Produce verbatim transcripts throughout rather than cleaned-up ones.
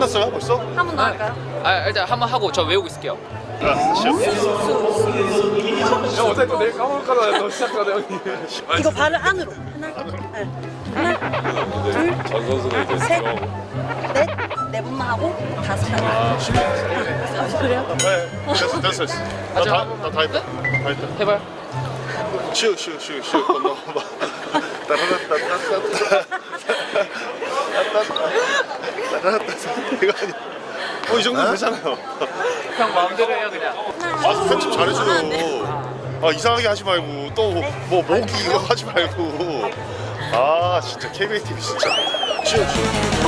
끝났어요 벌써? 한 번 더 할까요? 아 일단 한번 하고 저 외우고 있을게요. 아, 시작. 형 어차피 또 내일 까먹을까봐 너 시작하다 형님. 이거 발을 안으로. 하나, 네. 하나, 전 선수는 이제 셋. 들어가고. 넷, 네 번만 하고 다섯 번. 아, 그래요? 네, 됐어 됐어 됐어. 나다나다 했다. 다 했다. 해봐요. 쉬우 쉬우 쉬우 쉬우 건너봐. 따라라따따따따. 따라라따따. 이거 아니야. 어, 이 정도 되잖아요. 형 마음대로 해요 그냥. 아, 편집 잘해줘요. 아, 이상하게 하지 말고 또 뭐 모기 이거 하지 말고. 아, 진짜 케이비에이 티비 진짜. 쉬우 쉬우.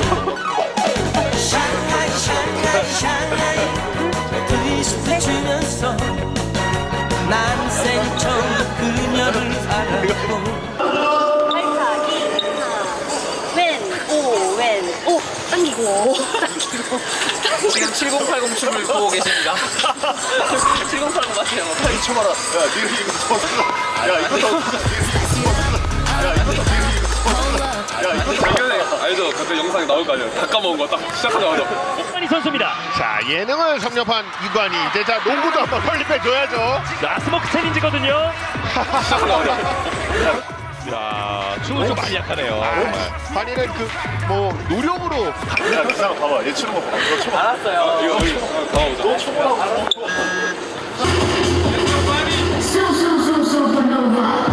난 생처음 그녀를 알았고 팔차기 하나, 왼, 오, 왼, 오. 당기고, 당기고. 지금 칠공팔공 춤을 보고 계십니다. 칠공팔공 맞아요. 이 쳐봐라. 야, 니가 이거 더 쓰라. 야, 이거 더 쓰라. 야, 이거 더 쓰라. 야, 이거 더 당연히 알죠. 그때 영상에 나올 거 아니에요. 다 까먹은 거 딱 시작하자마자. 이관희 선수입니다. 자, 예능을 섭렵한 이관희. 이제 자 농구도 한번 빨리 빼줘야죠. 라스모크 챌린지거든요. 시작하자마자. 야, 춤은 좀 많이 약하네요. 관이는 그 뭐 노력으로 야, 그 사람 봐봐. 얘 치는 거 봐. 이거 쳐봐. 알았어요. 이거 여기 가보자. 너 쳐보라고. So, so, so, supernova.